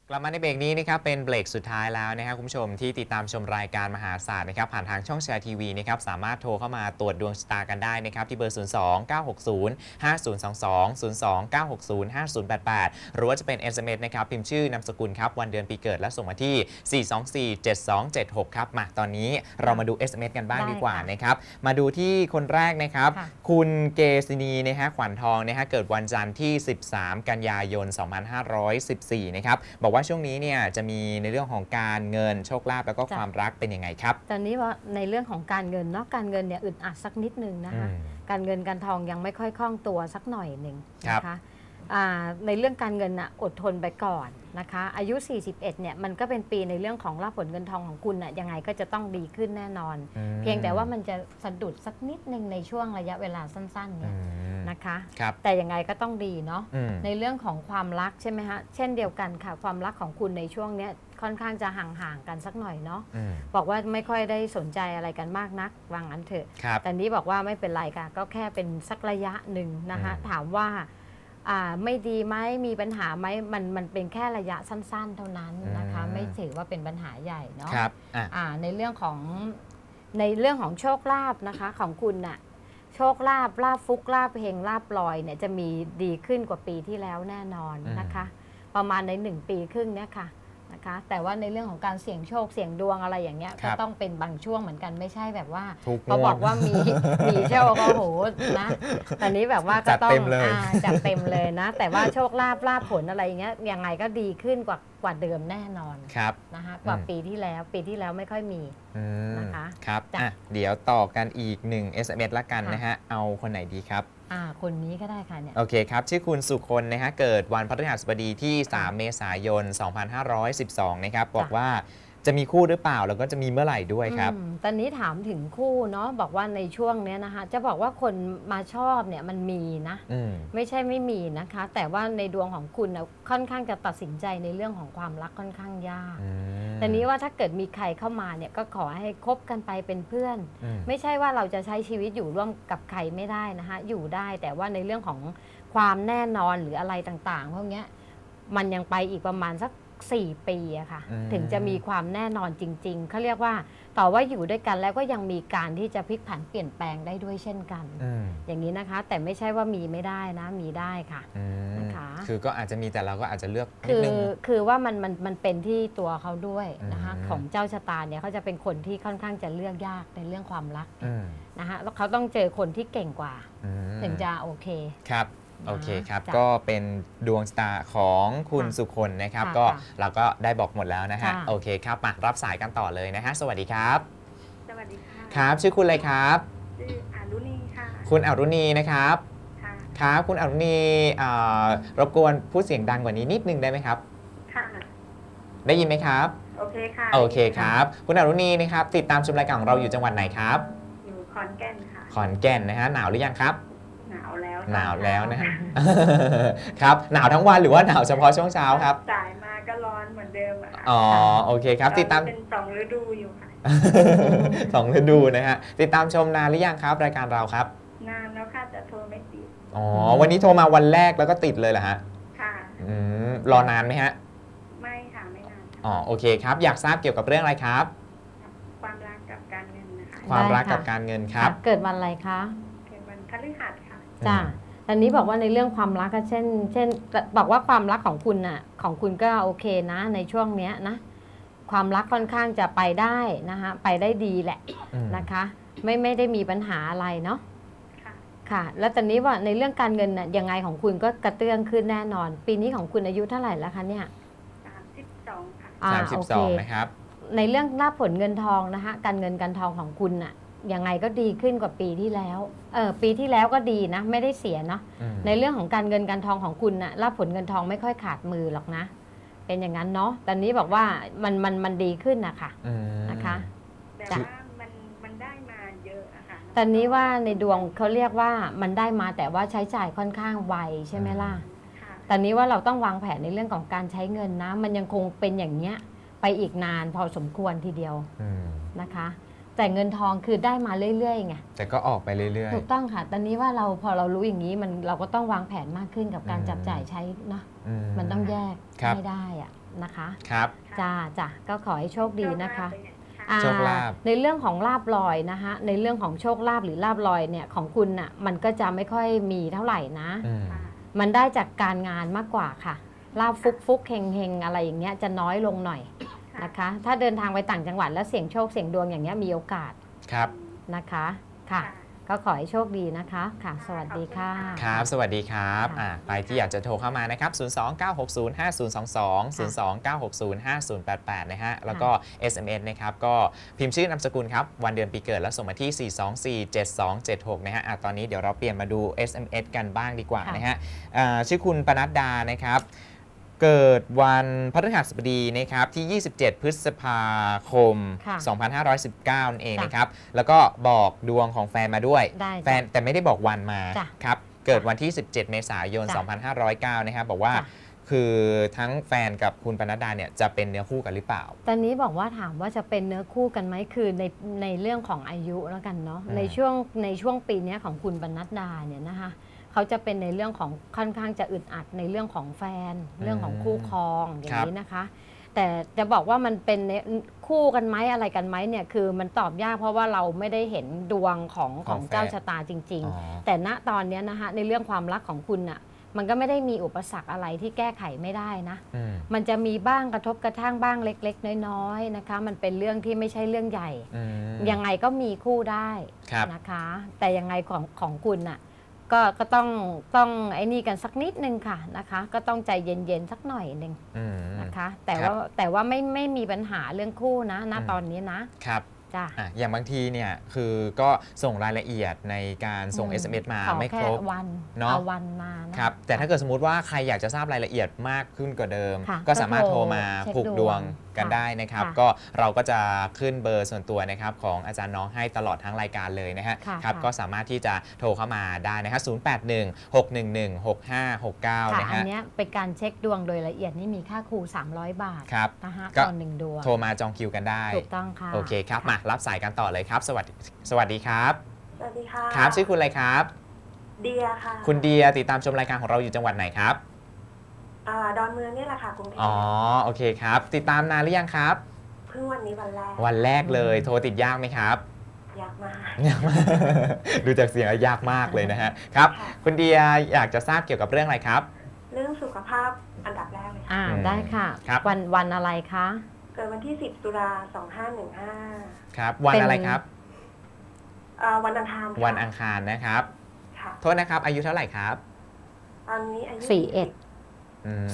กลับมาในเบรกนี้นะครับเป็นเบรกสุดท้ายแล้วนะครับคุณผู้ชมที่ติดตามชมรายการมหาศาสตร์นะครับผ่านทางช่องแชร์ทีวีนะครับสามารถโทรเข้ามาตรวจดวงชะตากันได้นะครับที่เบอร์ 02 960 5022 02 960 5088 หรือว่าจะเป็น SMS นะครับพิมพ์ชื่อนามสกุลครับวันเดือนปีเกิดและส่งมาที่ 4247276 ครับมาตอนนี้เรามาดู SMS กันบ้างดีกว่านะครับมาดูที่คนแรกนะครับคุณเกษินีนะฮะขวัญทองนะฮะเกิดวันจันทร์ที่ 13 กันยายน 2514 นะครับบอกว่าช่วงนี้เนี่ยจะมีในเรื่องของการเงินโชคลาภแล้วก็ความรักเป็นยังไงครับตอนนี้ว่าในเรื่องของการเงินเนาะการเงินเนี่ยอึดอัดสักนิดนึงนะคะการเงินการทองยังไม่ค่อยคล่องตัวสักหน่อยหนึ่งนะคะในเรื่องการเงินน่ะอดทนไปก่อนนะคะอายุ 41 เนี่ยมันก็เป็นปีในเรื่องของลาภผลเงินทองของคุณน่ะยังไงก็จะต้องดีขึ้นแน่นอนเพียงแต่ว่ามันจะสะดุดสักนิดนึงในช่วงระยะเวลาสั้นๆเนี่ยนะคะแต่ยังไงก็ต้องดีเนาะในเรื่องของความรักใช่ไหมฮะเช่นเดียวกันค่ะความรักของคุณในช่วงนี้ค่อนข้างจะห่างๆกันสักหน่อยเนาะบอกว่าไม่ค่อยได้สนใจอะไรกันมากนักวางอันเถอะแต่นี้บอกว่าไม่เป็นไรค่ะก็แค่เป็นสักระยะหนึ่งนะคะถามว่าไม่ดีไหมมีปัญหาไหมมันเป็นแค่ระยะสั้นๆเท่านั้นนะคะไม่ถือว่าเป็นปัญหาใหญ่เนาะในเรื่องของโชคลาภนะคะของคุณน่ะโชคลาภฟุกลาภเฮงลาภลอยเนี่ยจะมีดีขึ้นกว่าปีที่แล้วแน่นอนนะคะประมาณใน1 ปีครึ่งเนี่ยค่ะนะคะแต่ว่าในเรื่องของการเสี่ยงโชคเสี่ยงดวงอะไรอย่างเงี้ยก็ต้องเป็นบางช่วงเหมือนกันไม่ใช่แบบว่าเขาบอกว่ามีโชคก็โหนะตอนนี้แบบว่าก็ต้องจัดเต็มเลยนะแต่ว่าโชคลาภผลอะไรอย่างเงี้ยยังไงก็ดีขึ้นกว่าเดิมแน่นอนนะคะกว่าปีที่แล้วไม่ค่อยมีนะคะครับเดี๋ยวต่อกันอีก1 SMS ละกันนะฮะเอาคนไหนดีครับคนนี้ก็ได้ค่ะเนี่ยโอเคครับชื่อคุณสุคนนะฮะเกิดวันพฤหัสบดีที่3 เมษายน 2512 นะครับบอกว่าจะมีคู่หรือเปล่าแล้วก็จะมีเมื่อไหร่ด้วยครับตอนนี้ถามถึงคู่เนาะบอกว่าในช่วงนี้นะคะจะบอกว่าคนมาชอบเนี่ยมันมีนะไม่ใช่ไม่มีนะคะแต่ว่าในดวงของคุณนะค่อนข้างจะตัดสินใจในเรื่องของความรักค่อนข้างยากแต่นี้ว่าถ้าเกิดมีใครเข้ามาเนี่ยก็ขอให้คบกันไปเป็นเพื่อนไม่ใช่ว่าเราจะใช้ชีวิตอยู่ร่วมกับใครไม่ได้นะคะอยู่ได้แต่ว่าในเรื่องของความแน่นอนหรืออะไรต่างๆพวกนี้มันยังไปอีกประมาณสัก4 ปีอะค่ะถึงจะมีความแน่นอนจริงๆเขาเรียกว่าต่อว่าอยู่ด้วยกันแล้วก็ยังมีการที่จะพลิกผันเปลี่ยนแปลงได้ด้วยเช่นกันอย่างนี้นะคะแต่ไม่ใช่ว่ามีไม่ได้นะมีได้ค่ะนะคะคือก็อาจจะมีแต่เราก็อาจจะเลือกคือว่ามันเป็นที่ตัวเขาด้วยนะคะของเจ้าชะตาเนี่ยเขาจะเป็นคนที่ค่อนข้างจะเลือกยากในเรื่องความรักนะคะแล้วเขาต้องเจอคนที่เก่งกว่าถึงจะโอเคครับโอเคครับก็เป็นดวงชะตาของคุณสุคนนะครับก็เราก็ได้บอกหมดแล้วนะฮะโอเคครับมารับสายกันต่อเลยนะฮะสวัสดีครับสวัสดีค่ะครับชื่อคุณอะไรครับชื่ออรุณีค่ะคุณอรุณีนะครับครับคุณอรุณีรบกวนพูดเสียงดังกว่านี้นิดนึงได้ไหมครับค่ะได้ยินไหมครับโอเคค่ะโอเคครับคุณอรุณีนะครับติดตามชมรายการของเราอยู่จังหวัดไหนครับอยู่ขอนแก่นค่ะขอนแก่นนะฮะหนาวหรือยังครับหนาวแล้วนะฮะครับหนาวทั้งวันหรือว่าหนาวเฉพาะช่วงเช้าครับสายมาก็ร้อนเหมือนเดิมอ๋อโอเคครับติดตามเป็น2 ฤดูอยู่ค่ะ 2 ฤดูนะฮะติดตามชมนานหรือยังครับรายการเราครับนานแล้วค่ะแต่โทรไม่ติดอ๋อวันนี้โทรมาวันแรกแล้วก็ติดเลยเหรอฮะค่ะรอนานไหมฮะไม่ค่ะไม่นานอ๋อโอเคครับอยากทราบเกี่ยวกับเรื่องอะไรครับความรักกับการเงินนะคะความรักกับการเงินครับเกิดวันอะไรคะเกิดวันพฤหัสค่ะจ้าตอนนี้บอกว่าในเรื่องความรักก็เช่นบอกว่าความรักของคุณน่ะของคุณก็โอเคนะในช่วงเนี้ยนะความรักค่อนข้างจะไปได้นะคะไปได้ดีแหละนะคะไม่ได้มีปัญหาอะไรเนาะค่ะแล้วตอนนี้ว่าในเรื่องการเงินน่ะยังไงของคุณก็กระเตื้องขึ้นแน่นอนปีนี้ของคุณอายุเท่าไหร่แล้วคะเนี่ย 32ค่ะ 32นะครับในเรื่องลาภผลเงินทองนะคะการเงินการทองของคุณน่ะยังไงก็ดีขึ้นกว่าปีที่แล้วปีที่แล้วก็ดีนะไม่ได้เสียเนาะในเรื่องของการเงินการทองของคุณน่ะลาภผลเงินทองไม่ค่อยขาดมือหรอกนะเป็นอย่างนั้นเนาะตอนนี้บอกว่ามันดีขึ้นนะคะนะคะแต่ว่ามันได้มาเยอะอะค่ะตอนนี้ว่าในดวงเขาเรียกว่ามันได้มาแต่ว่าใช้จ่ายค่อนข้างไวใช่ไหมล่ะตอนนี้ว่าเราต้องวางแผนในเรื่องของการใช้เงินนะมันยังคงเป็นอย่างเนี้ยไปอีกนานพอสมควรทีเดียวนะคะแต่เงินทองคือได้มาเรื่อยๆไงแต่ก็ออกไปเรื่อยๆถูกต้องค่ะตอนนี้ว่าพอเรารู้อย่างนี้เราก็ต้องวางแผนมากขึ้นกับการจับจ่ายใช้เนาะมันต้องแยกไม่ได้อะนะคะครับจ้ะก็ขอให้โชคดีนะคะโชคลาภในเรื่องของลาบลอยนะคะในเรื่องของโชคลาภหรือลาบลอยเนี่ยของคุณน่ะมันก็จะไม่ค่อยมีเท่าไหร่นะอืมมันได้จากการงานมากกว่าค่ะลาบฟุกเฮงอะไรอย่างเงี้ยจะน้อยลงหน่อยนะคะ ถ้าเดินทางไปต่างจังหวัดแล้วเสี่ยงโชคเสี่ยงดวงอย่างเงี้ยมีโอกาสครับนะคะค่ะ ก็ขอให้โชคดีนะคะค่ะ สวัสดีค่ะครับ สวัสดีครับค่ะใครที่อยากจะโทรเข้ามานะครับ 029605022 029605088 นะฮะ แล้วก็ SMS นะครับ ก็พิมพ์ชื่อนามสกุลครับ วันเดือนปีเกิดแล้วส่งมาที่ 4247276 นะฮะตอนนี้เดี๋ยวเราเปลี่ยนมาดู SMS กันบ้างดีกว่านะฮะชื่อคุณปนัดดานะครับ เกิดวันพฤหัสบดีนะครับที่ 27 พฤษภาคมค่ะ 2519 นั่นเองจ้ะนะครับ แล้วก็บอกดวงของแฟนมาด้วยได้จ้ะแฟนแต่ไม่ได้บอกวันมาจ้ะครับ เกิดวันที่ 17 เมษายนจ้ะ 2509 นะครับ บอกว่าจ้ะคือทั้งแฟนกับคุณปนัดดาเนี่ยจะเป็นเนื้อคู่กันหรือเปล่าตอนนี้บอกว่าถามว่าจะเป็นเนื้อคู่กันไหมคือในเรื่องของอายุแล้วกันเนาะอืมในช่วงปีเนี้ยของคุณปนัดดาเนี่ยนะคะเขาจะเป็นในเรื่องของค่อนข้างจะอึดอัดในเรื่องของแฟน เรื่องของคู่ครองอย่างนี้นะคะ แต่จะบอกว่ามันเป็นคู่กันไหมอะไรกันไหมเนี่ยคือมันตอบยากเพราะว่าเราไม่ได้เห็นดวงของเจ้าชะตาจริงอ๋อๆ แต่ณตอนเนี้ยนะคะในเรื่องความรักของคุณน่ะมันก็ไม่ได้มีอุปสรรคอะไรที่แก้ไขไม่ได้นะอืมมันจะมีบ้างกระทบกระทั่งบ้างเล็กๆน้อยๆนะคะมันเป็นเรื่องที่ไม่ใช่เรื่องใหญ่อืมยังไงก็มีคู่ได้ครับนะคะ แต่ยังไงของคุณน่ะก็ต้องไอ้นี่กันสักนิดนึงค่ะนะคะ ก็ต้องใจเย็นๆสักหน่อยหนึ่งอืมนะคะ แต่ครับว่าไม่มีปัญหาเรื่องคู่นะณตอนนี้นะครับ จ้ะอย่างบางทีเนี่ยคือก็ส่งรายละเอียดในการส่ง SMS มาขอไม่คแค่รบวันเนอะเอาวันมานะครับแต่ถ้าเกิดสมมติว่าใครอยากจะทราบรายละเอียดมากขึ้นกว่าเดิมค่ะก็สามารถก็โทโทรรมาเช็คผูกดวงกันค่ะได้นะครับค่ะก็เราก็จะขึ้นเบอร์ส่วนตัวนะครับของอาจารย์น้องให้ตลอดทั้งรายการเลยนะฮะค่ะครับค่ะก็สามารถที่จะโทรเข้ามาได้นะฮะ0816116569 ค่ะนะอันฮะเนี้ยเป็นการเช็คดวงโดยละเอียดนี่มีค่าครู300 บาทครับนะคะก็ต่อ1ดวงโทรมาจองคิวกันได้ถูกต้องค่ะโอเคครับมารับสายกันต่อเลยครับ สวัสดีครับสวัสดีค่ะครับชื่อคุณอะไรครับเดียค่ะคุณเดียติดตามชมรายการของเราอยู่จังหวัดไหนครับดอนเมืองนี่แหละค่ะกรุงเทพอ๋อโอเคครับ ติดตามนานหรือยังครับเพิ่งวันนี้วันแรกวันแรกเลยโทรติดยากไหมครับยากมากยากมากดูจากเสียงแล้วยากมากเลยนะฮะครับค่ะคุณเดียอยากจะทราบเกี่ยวกับเรื่องอะไรครับเรื่องสุขภาพอันดับแรกเลยค่ะอ่าได้ค่ะครับวันอะไรคะเกิดวันที่ 10 ตุลา2515 ครับ วันอะไรครับวันอังคารค่ะวันอังคารนะครับค่ะโทษนะครับอายุเท่าไหร่ครับตอนนี้อายุอืม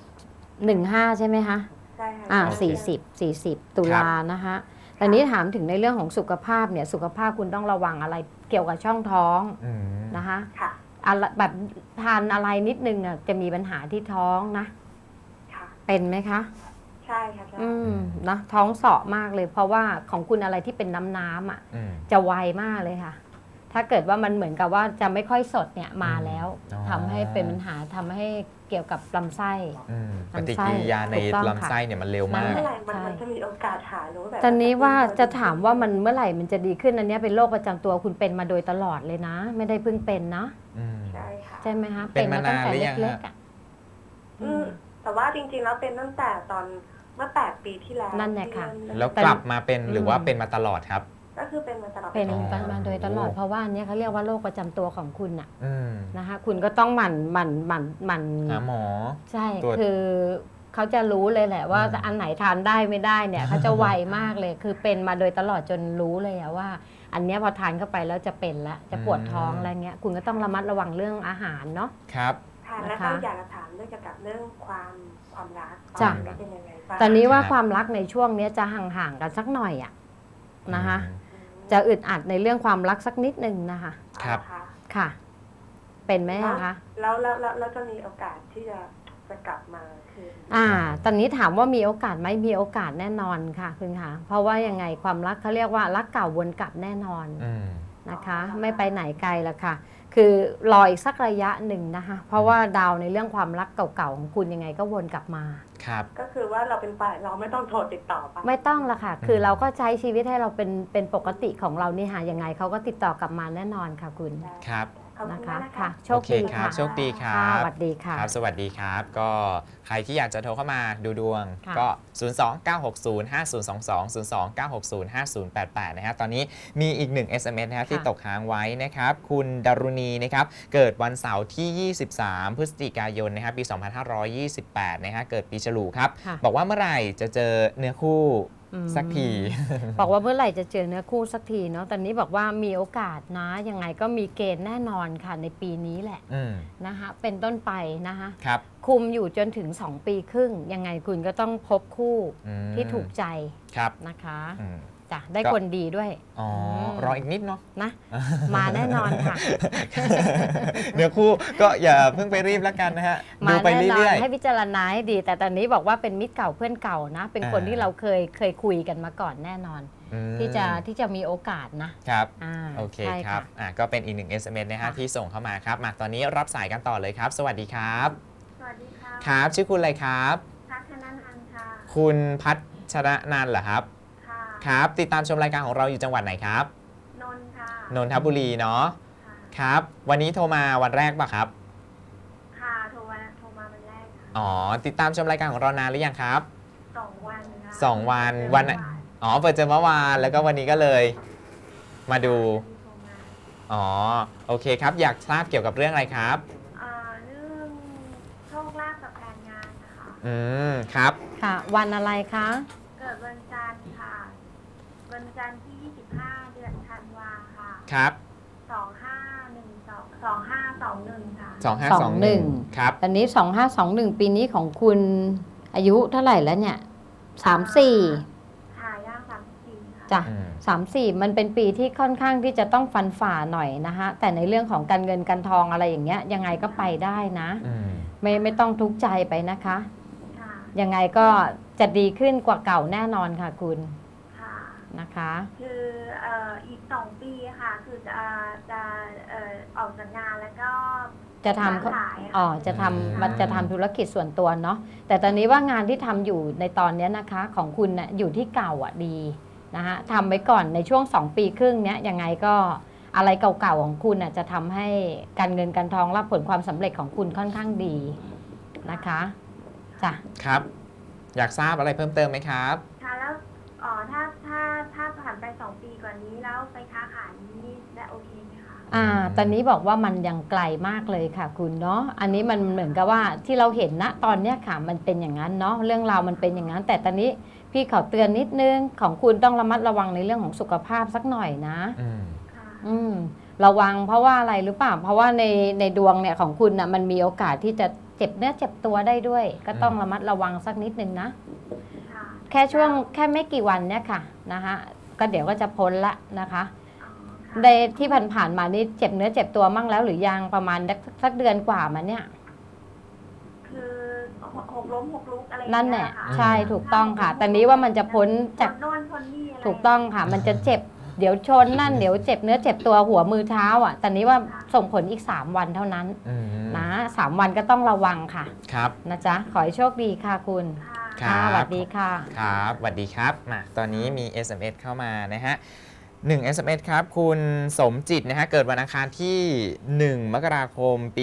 15 ใช่ไหมคะใช่ค่ะอ่าโอเค 40 ตุลานะคะตอนนี้ถามถึงในเรื่องของสุขภาพเนี่ยสุขภาพคุณต้องระวังอะไรเกี่ยวกับช่องท้องอืมนะคะค่ะอะไรแบบทานอะไรนิดนึงอ่ะจะมีปัญหาที่ท้องนะค่ะเป็นไหมคะใช่ค่ะใช่นะท้องเสาะมากเลย เพราะว่าของคุณอะไรที่เป็นน้ำอ่ะอืมจะไวมากเลยค่ะ ถ้าเกิดว่ามันเหมือนกับว่าจะไม่ค่อยสดเนี่ยมาแล้วอ๋อทำให้เป็นปัญหาทำให้เกี่ยวกับลำไส้อืมปลำไส้ฏิกิริยาในถูกต้องค่ะลำไส้เนี่ยมันเร็วมากเมื่อไหร่มันใช่จะมีโอกาสหายหรือว่าแบบตอนนี้ว่าจะถามว่ามันเมื่อไหร่มันจะดีขึ้นอันเนี้ยเป็นโรคประจำตัวคุณเป็นมาโดยตลอดเลยนะ ไม่ได้เพิ่งเป็นนะอืมใช่ค่ะใช่ไหมคะเป็นมาตั้งแต่นานหรือยังเล็กฮะๆอ่ะแต่ว่าจริงๆแล้วเป็นตั้งแต่ตอนเมื่อ 8 ปีที่แล้วนั่นแหละค่ะที่เริ่มแล้วกลับมาเป็นหรือว่าเป็นมาตลอดครับก็คือเป็นมาตลอดเป็นอ๋อมาโดยตลอดเพราะว่าอันเนี้ยเขาเรียกว่าโรคประจำตัวของคุณอ่ะอืมนะคะคุณก็ต้องหมั่นหาหมอใช่ตรวจคือเขาจะรู้เลยแหละว่าอืมอันไหนทานได้ไม่ได้เนี่ยเขาจะไวมากเลย คือเป็นมาโดยตลอดจนรู้เลยอะว่า อันเนี้ยพอทานเข้าไปแล้วจะเป็นละจะปวดท้องอะไรเงี้ยคุณก็ต้องระมัดระวังเรื่องอาหารเนาะครับค่ะนะคะแล้วก็อยากจะถามเรื่องเกี่ยวกับเรื่องความรักจ้ะตอนนี้เป็นยังไงบ้างตอนนี้ว่าครับความรักในช่วงเนี้ยจะห่างๆกันสักหน่อยอะนะคะอืมจะอึดอัดในเรื่องความรักสักนิดนึงนะคะครับค่ะค่ะ เป็นไหมอะคะแล้วจะมีโอกาสที่จะกลับมาคืนตอนนี้ถามว่ามีโอกาสไหมมีโอกาสแน่นอนค่ะคุณคะเพราะว่ายังไงความรักเขาเรียกว่ารักเก่าวนกลับแน่นอนอืมนะคะ ไม่ไปไหนไกลละค่ะ คือรออีกสักระยะหนึ่งนะคะ เพราะว่าดาวในเรื่องความรักเก่าๆของคุณยังไงก็วนกลับมาครับก็คือว่าเราเป็นฝ่ายเราไม่ต้องโทรติดต่อไปไม่ต้องละค่ะ คือเราก็ใช้ชีวิตให้เราเป็นปกติของเรานี่ค่ะยังไงเขาก็ติดต่อกลับมาแน่นอนค่ะคุณครับขอบนะคุณคะมากนะคะค่ะโชคโอเคดีครัค่ะบโชคดีครับค่ะสวัสดีค่ะครับสวัสดีครับ ก็ใครที่อยากจะโทรเข้ามาดูดวงค่ะก็ 029605022 029605088 นะฮะตอนนี้มีอีก1 SMS นะครับที่ตกค้างไว้นะครับ คุณดารุณีนะครับ เกิดวันเสาร์ที่ 23 พฤศจิกายนนะครับปี 2528 นะฮะเกิดปีฉลูครับค่ะบอกว่าเมื่อไหร่จะเจอเนื้อคู่อืมสักทีบอกว่าเมื่อไหร่จะเจอเนื้อคู่สักทีเนาะตอนนี้บอกว่ามีโอกาสนะยังไงก็มีเกณฑ์แน่นอนค่ะในปีนี้แหละอืมนะคะเป็นต้นไปนะคะครับคุมอยู่จนถึง 2 ปีครึ่ง ยังไงคุณก็ต้องพบคู่อืมที่ถูกใจครับนะคะอืมจ้ะได้ก็คนดีด้วยอ๋อมรออีกนิดเนาะนะ มาแน่นอนค่ะเนื้อคู่ก็อย่าเพิ่งไปรีบแล้วกันนะฮะ ดูมาไปแน่นอนเรื่อยให้พิจารณาให้ดี แต่ตอนนี้บอกว่าเป็นมิตรเก่าเพื่อนเก่านะ เป็นคนอ่าที่เราเคยคุยกันมาก่อนแน่นอนๆอืมที่จะมีโอกาสนะครับ อ่าโอเคใช่ครับ ก็เป็นอีก1 SMS นะฮะค่ะที่ส่งเข้ามาครับ มาตอนนี้รับสายกันต่อเลยครับ สวัสดีครับสวัสดีค่ะครับ ชื่อคุณอะไรครับพัฒนันอันค่ะคุณพัชรนันท์เหรอครับค่ะครับ ติดตามชมรายการของเราอยู่จังหวัดไหนครับนนท์ค่ะนนทบุรีเนาะค่ะครับ วันนี้โทรมาวันแรกป่ะครับค่ะโทรมาวันแรกค่ะอ๋อ ติดตามชมรายการของเรานานหรือยังครับ 2 วันค่ะ 2 วันเจอวันเมื่ออ๋อ เปิดเจอเมื่อวาน แล้วก็วันนี้ก็เลย มาดูโทรมาอ๋อ โอเคครับ อยากทราบเกี่ยวกับเรื่องอะไรครับเรื่องโชคลาภกับการงานนะคะอืม ครับค่ะ วันอะไรคะเกิดวันจันทร์ค่ะ วันจันทร์ที่ 25 เดือนธันวาค่ะครับ 2521ค่ะ 2521 ครับตอนนี้ 2521 ปีนี้ของคุณอายุเท่าไหร่แล้วเนี่ย 34 หายาก34ค่ะจ้ะอืม 34 มันเป็นปีที่ค่อนข้างที่จะต้องฟันฝ่าหน่อยนะคะแต่ในเรื่องของการเงินการทองอะไรอย่างเงี้ยยังไงก็ไปได้นะอืมไม่ต้องทุกข์ใจไปนะคะค่ะยังไงก็จะดีขึ้นกว่าเก่าแน่นอนค่ะคุณค่ะนะคะคืออีก2 ปีค่ะ คือจะออกจากงานแล้วก็จะทำค้าขายอ๋อค่ะจะทำมันจะทำธุรกิจส่วนตัวเนาะแต่ตอนนี้ว่างานที่ทำอยู่ในตอนเนี้ยนะคะของคุณน่ะอยู่ที่เก่าอ่ะดีนะคะทำไว้ก่อนในช่วง 2 ปีครึ่งเนี้ยยังไงก็อะไรเก่าๆของคุณน่ะจะทำให้การเงินการทองรับผลความสำเร็จของคุณค่อนข้างดีนะคะจ้ะครับ อยากทราบอะไรเพิ่มเติมไหมครับค่ะแล้วถ้าผ่านไป2 ปีกว่านี้แล้วไปค้าขายนี้ได้โอเคไหมคะตอนนี้บอกว่ามันยังไกลมากเลยค่ะคุณเนาะอันนี้มันเหมือนกับว่าที่เราเห็นณตอนเนี้ยค่ะมันเป็นอย่างนั้นเนาะเรื่องราวมันเป็นอย่างนั้น แต่ตอนนี้พี่ขอเตือนนิดนึงของคุณต้องระมัดระวังในเรื่องของสุขภาพสักหน่อยนะอืมค่ะระวังเพราะว่าอะไรหรือเปล่าเพราะว่าในดวงเนี่ยของคุณน่ะมันมีโอกาสที่จะเจ็บเนื้อเจ็บตัวได้ด้วย ก็ต้องระมัดระวังสักนิดนึงนะค่ะแค่ไม่กี่วันเนี่ยค่ะนะคะก็เดี๋ยวก็จะพ้นละนะคะอ๋อค่ะในที่ผ่านๆมานี่เจ็บเนื้อเจ็บตัวมั่งแล้วหรือยังประมาณสักเดือนกว่ามาเนี่ยคือหกล้มหกลุกอะไรอย่างนั่นเงี้แหยละค่ะใช่ถูกต้องค่ะแต่นี้ว่ามันจะพ้นจากโน่นคนนี่อะไรถูกต้องค่ะ มันจะเจ็บเดี๋ยวชนนั่นเดี๋ยวเจ็บเนื้อเจ็บตัวหัวมือเท้าอ่ะแต่นี้ว่าส่งผลอีก 3 วันเท่านั้นอืมนะ3 วันก็ต้องระวังค่ะครับนะจ๊ะขอให้โชคดีค่ะคุณค่ะครับสวัสดีค่ะครับสวัสดีครับ มาตอนนี้มี SMS เข้ามานะฮะ1 SMS ครับ คุณสมจิตนะฮะ เกิดวันอังคารที่ 1 มกราคม ปี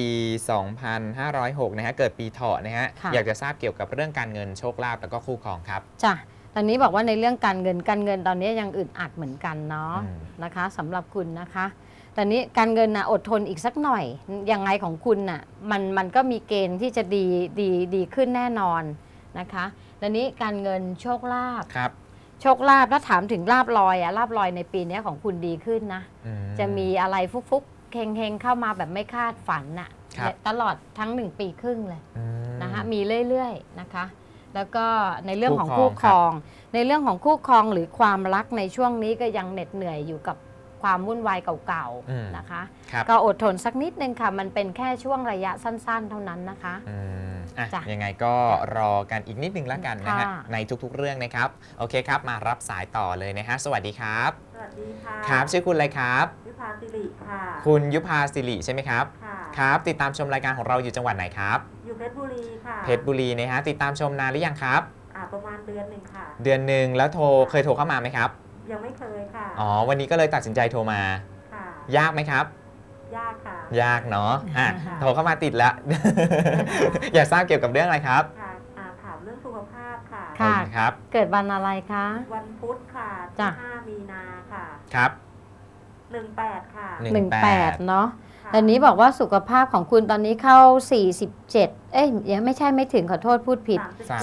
2506 นะฮะ เกิดปีเถาะนะฮะค่ะอยากจะทราบเกี่ยวกับเรื่องการเงินโชคลาภแล้วก็คู่ครองครับจ้ะตอนนี้บอกว่าในเรื่องการเงินตอนนี้ยังอึดอัดเหมือนกันเนาะอืมนะคะสำหรับคุณนะคะตอนนี้การเงินนะอดทนอีกสักหน่อยยังไงของคุณน่ะมันก็มีเกณฑ์ที่จะดีขึ้นแน่นอนนะคะตอนนี้การเงินโชคลาภครับโชคลาภถ้าถามถึงลาบลอยอะลาบลอยในปีนี้ของคุณดีขึ้นนะอืจะมีอะไรฟุกๆเฮงๆเข้ามาแบบไม่คาดฝันน่ะครับตลอดทั้ง1 ปีครึ่งเลยอืมนะคะมีเรื่อยๆนะคะ แล้วก็ในเรื่องของคู่คู่คครรออง ง ในเรื่องของคู่ครองหรือความรักในช่วงนี้ก็ยังเหน็ดเหนื่อยอยู่กับความวุ่นวายเก่าอืมๆนะคะครับก็อดทนสักนิดนึงค่ะ มันเป็นแค่ช่วงระยะสั้นๆ เท่านั้นนะคะอืมอ่ะจ้ะยังไงก็รอกันอีกนิดนึงแล้วกันนะฮะค่ะในทุกๆเรื่องนะครับ โอเคครับ มารับสายต่อเลยนะฮะ สวัสดีครับสวัสดีค่ะครับ ชื่อคุณอะไรครับวิภาสิริค่ะคุณยุพาสิริใช่ไหมครับค่ะครับ ติดตามชมรายการของเราอยู่จังหวัดไหนครับอยู่เพชรบุรีค่ะเพชรบุรีนะฮะ ติดตามชมนานหรือยังครับประมาณเดือนหนึ่งค่ะเดือนหนึ่งแล้วเคยโทรเข้ามาไหมครับยังไม่เคยค่ะอ๋อ วันนี้ก็เลยตัดสินใจโทรมาค่ะยากไหมครับยากค่ะยากเนาะอ่ะค่ะโทรเข้ามาติดแล้ว อยากทราบเกี่ยวกับเรื่องอะไรครับค่ะถามเรื่องสุขภาพค่ะค่ะโอเครับเกิดวันอะไรคะวันพุธค่ะจ้ะที่5 มีนาค่ะครับ 18 ค่ะ 18 เนาะค่ะตอนนี้บอกว่าสุขภาพของคุณตอนนี้เข้า 47 เอ้ยยังไม่ใช่ไม่ถึงขอโทษพูดผิด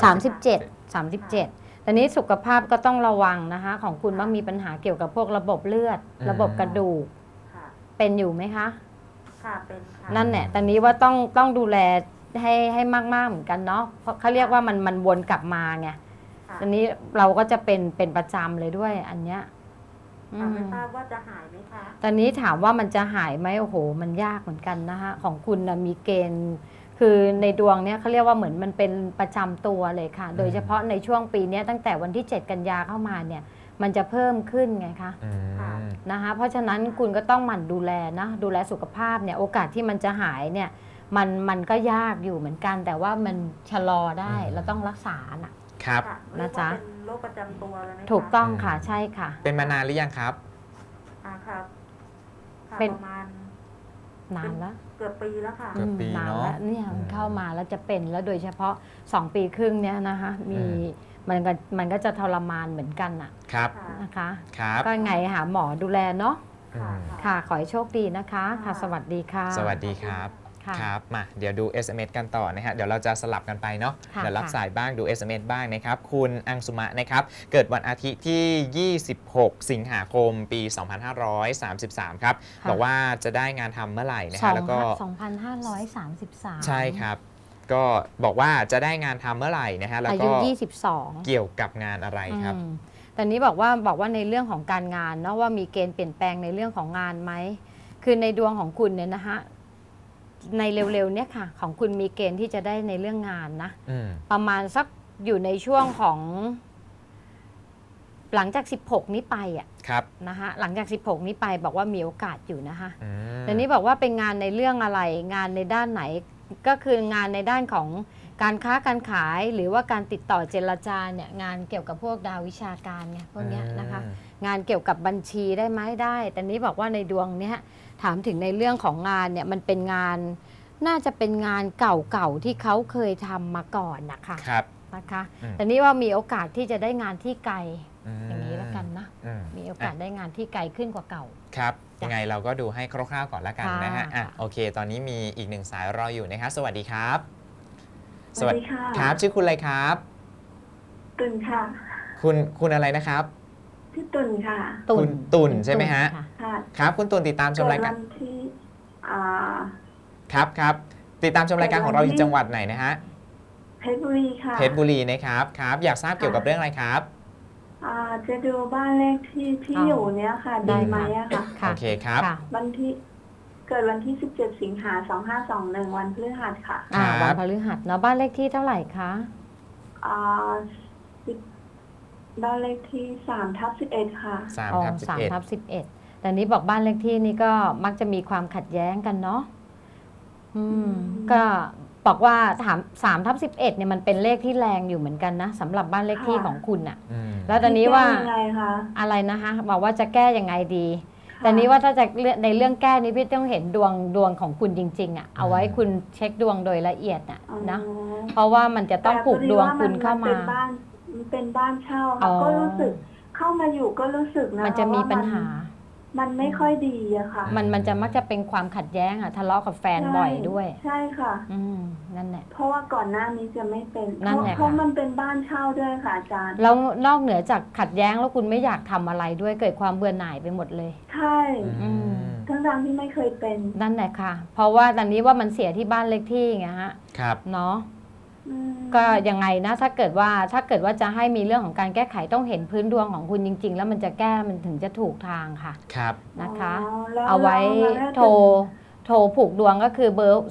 37 ตอนนี้สุขภาพก็ต้องระวังนะคะ ของคุณมักมีปัญหาเกี่ยวกับพวกระบบเลือด ระบบกระดูกค่ะเป็นอยู่ไหมคะค่ะเป็นค่ะนั่นแหละตอนนี้ว่าต้องดูแลให้มากๆเหมือนกันเนาะ เพราะเขาเรียกว่ามันวนกลับมาไงค่ะตอนนี้เราก็จะเป็นประจำเลยด้วยอันเนี้ยอืค่ะมไม่ทราบว่าจะหายไหมคะตอนนี้ถามว่ามันจะหายไหมโอ้โห มันยากเหมือนกันนะคะของคุณนะมีเกณฑ์ คือในดวงเนี้ยเขาเรียกว่าเหมือนมันเป็นประจำตัวเลยค่ะ โดยเฉพาะในช่วงปีเนี้ยตั้งแต่วันที่ 7 กันยาเข้ามาเนี่ย มันจะเพิ่มขึ้นไงคะอืมนะคะเพราะฉะนั้นคุณก็ต้องหมั่นดูแลนะดูแลสุขภาพเนี่ยโอกาสที่มันจะหายเนี่ยมันก็ยากอยู่เหมือนกัน แต่ว่ามันชะลอได้อืมเราต้องรักษาน่ะครับค่ะนะจ๊ะเรียกว่าเป็นโรคประจำตัวเลยไหมคะถูกต้องค่ะใช่ค่ะเป็นมานานหรือยังครับครับค่ะเป็นประมาณนานแล้วเกือบปีแล้วค่ะเกือบปีนานเนอะแล้วเนี่ยมันอืมเข้ามาแล้วจะเป็นแล้วโดยเฉพาะ 2 ปีครึ่งเนี่ยนะคะมีมันก็จะทรมานเหมือนกันน่ะครับค่ะนะคะครับก็ไงหาหมอดูแลเนาะอืมค่ะ ขอให้โชคดีนะคะค่ะ สวัสดีค่ะสวัสดีครับค่ะครับ มาเดี๋ยวดู SMS กันต่อนะฮะเดี๋ยวเราจะสลับกันไปเนาะค่ะเดี๋ยวรับค่ะสายบ้างดู SMS บ้างนะครับ คุณอังสุมะนะครับ เกิดวันอาทิตย์ที่ 26 สิงหาคม ปี 2533 ครับค่ะบอกว่าจะได้งานทำเมื่อไหร่นะฮะแล้วก็ 2,533 ใช่ครับ ก็บอกว่าจะได้งานทำเมื่อไหร่นะฮะแล้วอาก็ยุ 22 เกี่ยวกับงานอะไรครับตอนนี้บอกว่าในเรื่องของการงานเนาะว่ามีเกณฑ์เปลี่ยนแปลงในเรื่องของงานไหมคือในดวงของคุณเนี่ยนะคะในเร็วๆเนี่ยค่ะของคุณมีเกณฑ์ที่จะได้ในเรื่องงานนะอืมประมาณสักอยู่ในช่วงของหลังจาก 16 นี้ไปอ่ะครับนะคะหลังจาก 16 นี้ไปบอกว่ามีโอกาสอยู่นะคะอืมแต่นี้บอกว่าเป็นงานในเรื่องอะไรงานในด้านไหนก็คืองานในด้านของการค้าการขายหรือว่าการติดต่อเจรจาเนี่ยงานเกี่ยวกับพวกดาววิชาการไงพวกเนี้ยนะคะ งานเกี่ยวกับบัญชีได้ไหมได้ แต่นี้บอกว่าในดวงเนี้ยถามถึงในเรื่องของงานเนี่ยมันเป็นงานน่าจะเป็นงานเก่าๆที่เขาเคยทำมาก่อนนะคะครับนะคะอืมแต่นี้ว่ามีโอกาสที่จะได้งานที่ไกลมอย่างนี้แล้วกันนะอืมมีโอกาสได้งานที่ไกลขึ้นกว่าเก่าครับจ้ะยังไงเราก็ดูให้คร่าวๆก่อนละกันนะฮะค่ะอ่ะค่ะโอเค ตอนนี้มีอีกหนึ่งสายรออยู่นะครับสวัสดีครับสวัสดีค่ะครับ ชื่อคุณอะไรครับตุนค่ะคุณอะไรนะครับที่ตุนค่ะคุณตุ่นใช่ไหมฮะค่ค่ะครับ คุณตุนติดตามชมเกิดรายกาวัรนที่อ่าครับติดตามชมรายการของเราอยู่จังหวัดไหนนะฮะเพชรบุรีค่ะเพชรบุรีนะครับครับ อยากทราบเกี่ยวกับเรื่องอะไรครับจะดูบ้านเลขที่อยู่เนี้ยค่ะได้ดีไหมค่ะอะค่ะโอเคครับค่ะวันที่เกิดวันที่ 17 สิงหา2521 วันพฤหัสค่ะครับวันพฤหัสเนาะบ้านเลขที่เท่าไหร่คะอ่าสิบบ้านเลขที่3/11 ค่ะ 3 อ๋อทับ 3/11แต่นี้บอกบ้านเลขที่นี่ก็มักจะมีความขัดแย้งกันเนาะก็บอกว่า3/11เนี่ยมันเป็นเลขที่แรงอยู่เหมือนกันนะสำหรับบ้านเลขที่ค่ะของคุณอะ 11 แล้วตอนนี้ว่ายังไงคะอะไรนะคะบอกว่าจะแก้ยังไงดีค่ะแต่นี้ว่าถ้าจะในเรื่องแก้นี้พี่ต้องเห็นดวงของคุณจริงๆอะเอาไว้คุณเช็คดวงโดยละเอียดอะอ๋อนะเพราะว่ามันจะต้องผูกดวงคุณเข้ามามันเป็นบ้านเช่าอ๋ค่ะอก็รู้สึกเข้ามาอยู่ก็รู้สึกนะมันจะมีว่าปัญหามันไม่ค่อยดีอะค่ะมันจะมักจะเป็นความขัดแย้งอะทะเลาะกับแฟนบ่อยด้วยใช่ค่ะนั่นแหละเพราะว่าก่อนหน้านี้จะไม่เป็นนั่นแหละเพราะค่ะมันเป็นบ้านเช่าด้วยค่ะอาจารย์แล้วนอกเหนือจากขัดแย้งแล้วคุณไม่อยากทำอะไรด้วยเกิดความเบื่อหน่ายไปหมดเลยใช่อืมทั้งที่ไม่เคยเป็นนั่นแหละค่ะ เพราะว่าตอนนี้ว่ามันเสียที่บ้านเลขที่ไงฮะครับเนาะอืมก็ยังไงนะถ้าเกิดว่าจะให้มีเรื่องของการแก้ไขต้องเห็นพื้นดวงของคุณจริง ๆ แล้วมันจะแก้มันถึงจะถูกทางค่ะครับนะคะแล้วเอาไว้แล้วโทรผูกดวงก็คือเบอร์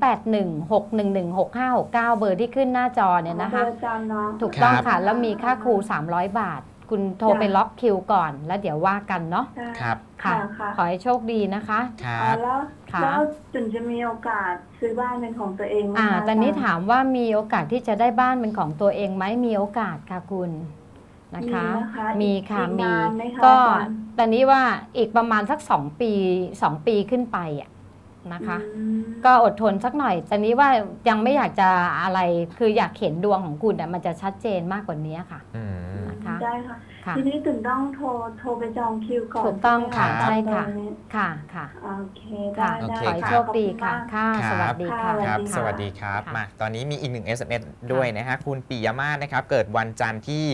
0816116569 เบอร์ที่ขึ้นหน้าจอเนี่ยนะคะเบอร์อาจารย์เนาะถูกต้องครับค่ะ แล้วมีค่าครู 300 บาท คุณโทรไปล็อกคิวก่อน แล้วเดี๋ยวว่ากันเนาะใช่ครับค่ะค่ะขอให้โชคดีนะคะครัอ๋อบ แล้วค่ะแล้วจุนจะมีโอกาสซื้อบ้านเป็นของตัวเองไหมคะตอนนี้จรย์ถามว่ามีโอกาสที่จะได้บ้านเป็นของตัวเองไหมมีโอกาสค่ะคุณนะคะ มีค่ะอีกมีนานไหมคะก็อาจารย์ตอนนี้ว่าอีกประมาณสัก2 ปีขึ้นไปอ่ะนะคะอืมก็อดทนสักหน่อยแต่นี้ว่ายังไม่อยากจะอะไรคืออยากเห็นดวงของคุณมันจะชัดเจนมากกว่านี้ค่ะอืมนะคะได้ค่ะค่ะทีนี้ถึงต้องโทรไปจองคิวก่อนถูกต้องค่ะใช่ใช่ไหมค่ะคะค่ะโอเคค่ะได้ขอให้โชคดีค่ะ ค่ะครับสวัสดีค่ะครับค่ะสวัสดีครับค่ะมา ตอนนี้มีอีกหนึ่ง SMS ด้วยนะฮะ คุณปิยมาศนะครับ เกิดวันจันทร์ที่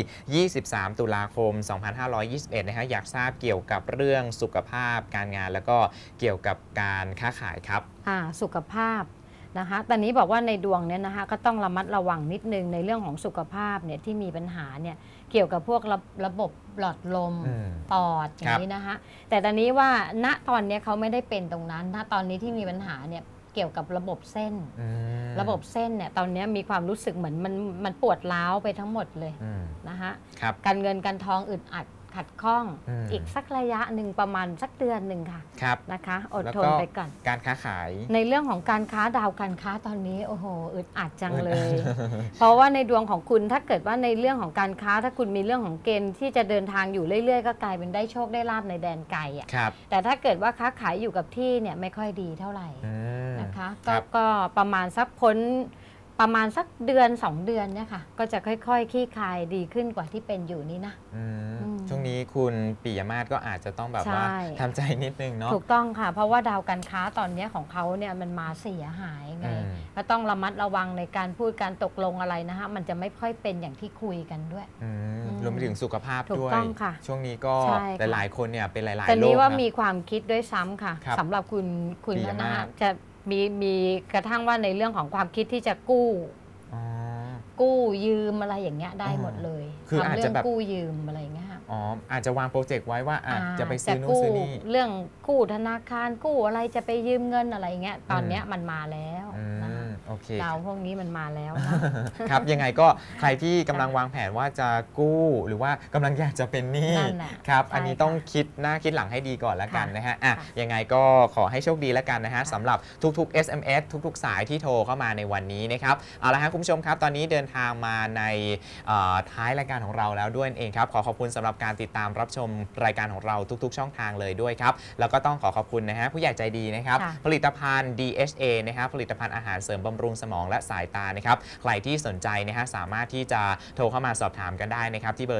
23 ตุลาคม 2521 นะฮะ อยากทราบเกี่ยวกับเรื่องสุขภาพการงาน แล้วก็เกี่ยวกับการค้าขายครับสุขภาพนะคะตอนนี้บอกว่าในดวงเนี่ยนะคะก็ต้องระมัดระวังนิดนึงในเรื่องของสุขภาพเนี่ยที่มีปัญหาเนี่ยเกี่ยวกับพวกระบบหลอดลมอืมปอดอย่างนี้นะคะแต่ตอนนี้ว่าณตอนนี้เขาไม่ได้เป็นตรงนั้นณตอนนี้ที่มีปัญหาเนี่ยเกี่ยวกับระบบเส้นอืมระบบเส้นเนี่ยตอนนี้มีความรู้สึกเหมือนมันปวดร้าวไปทั้งหมดเลยอืมนะคะครับการเงินการทองอึดอัดขัดข้องอืมอีกสักระยะหนึ่งประมาณสักเดือนหนึ่งค่ะครับนะคะอดแล้วทก็นไปก่อนการค้าขายในเรื่องของการค้าดาวการค้าตอนนี้โอ้โหอึดอัดจังเลยอึดอัดเพราะว่าในดวงของคุณถ้าเกิดว่าในเรื่องของการค้าถ้าคุณมีเรื่องของเกณฑ์ที่จะเดินทางอยู่เรื่อยๆ ก็กลายเป็นได้โชคได้ลาบในแดนไกลอ่ะครับแต่ถ้าเกิดว่าค้าขายอยู่กับที่เนี่ยไม่ค่อยดีเท่าไหร่อืมนะคะครับก็ประมาณสักพ้นประมาณสักเดือน2 เดือนเนี่ยค่ะก็จะค่อยๆคลี่คลายดีขึ้นกว่าที่เป็นอยู่นี่นะอืมอืมช่วงนี้คุณปิยมาศก็อาจจะต้องแบบว่าใช่ทำใจนิดนึงเนาะถูกต้องค่ะ เพราะว่าดาวการค้าตอนนี้ของเขาเนี่ยมันมาเสียหายไงอืมก็ต้องระมัดระวังในการพูดการตกลงอะไรนะคะมันจะไม่ค่อยเป็นอย่างที่คุยกันด้วยอืมอืมรวมไปถึงสุขภาพถูกด้วยต้องค่ะช่วงนี้ก็ใช่ค่ะหลายๆคนเนี่ยเป็นหลายๆแต่โรนี้คว่านะมีความคิดด้วยซ้ำค่ะครับสำหรับคุณปิยนะมาคะศจะมีกระทั่งว่าในเรื่องของความคิดที่จะกู้อ๋อกู้ยืมอะไรอย่างเงี้ยได้หมดเลยคือทำอาจเรื่จะองแบบกู้ยืมอะไรอย่างเงี้ยค่ะอ๋ออาจจะวางโปรเจกต์ไว้ว่าจะไปซื้อนู่นกู้ซื้อนี่เรื่องกู้ธนาคารกู้อะไรจะไปยืมเงินอะไรอย่างเงี้ยตอนเนี้ยมันมาแล้วอืนะคะมโอเคดาวพวกนี้มันมาแล้วนะครับยังไงก็ใครที่กำลังวางแผนว่าจะกู้หรือว่ากำลังอยากจะเป็นหนี้นั่นแหละครับใช่อันนี้ต้องคิดหน้าคิดหลังให้ดีก่อนแล้วกันค่ะนะฮะอ่ะค่ะยังไงก็ขอให้โชคดีแล้วกันนะฮะค่ะสำหรับทุกๆ SMS ทุกๆ สายที่โทรเข้ามาในวันนี้นะครับเอาละฮะคุณผู้ชมครับตอนนี้เดินทางมาในท้ายรายการของเราแล้วด้วยนั่นเองครับขอขอบคุณสำหรับการติดตามรับชมรายการของเราทุกๆ ช่องทางเลยด้วยครับแล้วก็ต้องขอขอบคุณนะฮะผู้ใหญ่ใจดีนะครับค่ะผลิตภัณฑ์ DHA นะครับผลิตภัณฑ์อาหารเสริมบำรุงสมองและสายตานะครับใครที่สนใจนะฮะสามารถที่จะโทรเข้ามาสอบถามกันได้นะครับที่เบอร์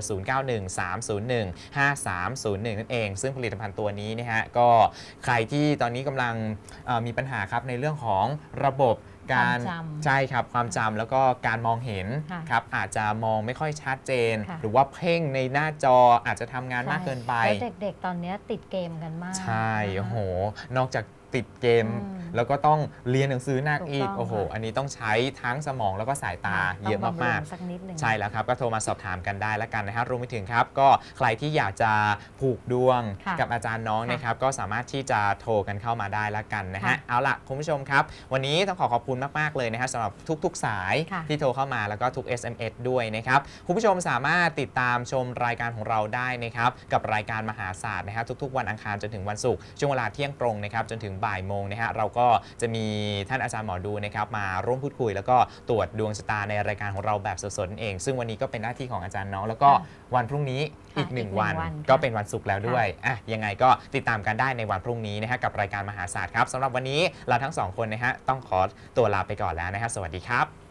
0913015301 นั่นเอง ซึ่งผลิตภัณฑ์ตัวนี้นะฮะก็ใครที่ตอนนี้กำลังมีปัญหาครับในเรื่องของระบบการความจำใช่ครับความจำแล้วก็การมองเห็นค่ะครับอาจจะมองไม่ค่อยชัดเจนค่ะหรือว่าเพ่งในหน้าจออาจจะทำงานมากเกินไปแล้วเด็กๆ ตอนเนี้ยติดเกมกันมากใช่นะคะโอ้โห นอกจากติดเกมอืมแล้วก็ต้องเรียนหนังสือหนักถูกอีกต้องโอ้โหค่ะอันนี้ต้องใช้ทั้งสมองแล้วก็สายตาค่ะเยอะต้งบำรุมากงสักนิดหนึ่งๆ ใช่แล้วครับ ก็โทรมาสอบถามกันได้แล้วกันนะฮะรวมไปถึงครับ ก็ใครที่อยากจะผูกดวงค่ะกับอาจารย์น้องค่ะนะครับ ก็สามารถที่จะโทรกันเข้ามาได้แล้วกันนะฮะค่ะเอาล่ะ คุณผู้ชมครับ วันนี้ต้องขอบคุณมากๆเลยนะฮะสำหรับทุกๆ สายค่ะที่โทรเข้ามาแล้วก็ทุก SMS ด้วยนะครับ คุณผู้ชมสามารถติดตามชมรายการของเราได้นะครับกับรายการมหาศาสตร์นะฮะทุกๆ วันอังคารจนถึงวันศุกร์ช่วงเวลาเที่ยงตรงนะครับจนถึงบ่ายโมงนะฮะเราก็จะมีท่านอาจารย์หมอดูนะครับมาร่วมพูดคุย แล้วก็ตรวจดวงชะตาในรายการของเราแบบสดๆนั่นเอง ซึ่งวันนี้ก็เป็นหน้าที่ของอาจารย์น้องแล้วก็ค่ะวันพรุ่งนี้ค่ะอีกหนึ่งอีกหนึ่งวันวันก็ค่ะเป็นวันศุกร์แล้วด้วยอ่ะยังไงก็ติดตามกันได้ในวันพรุ่งนี้นะฮะกับรายการมหาศาสตร์ครับสำหรับวันนี้เราทั้งสองคนนะฮะต้องขอตัวลาไปก่อนแล้วนะฮะสวัสดีครับ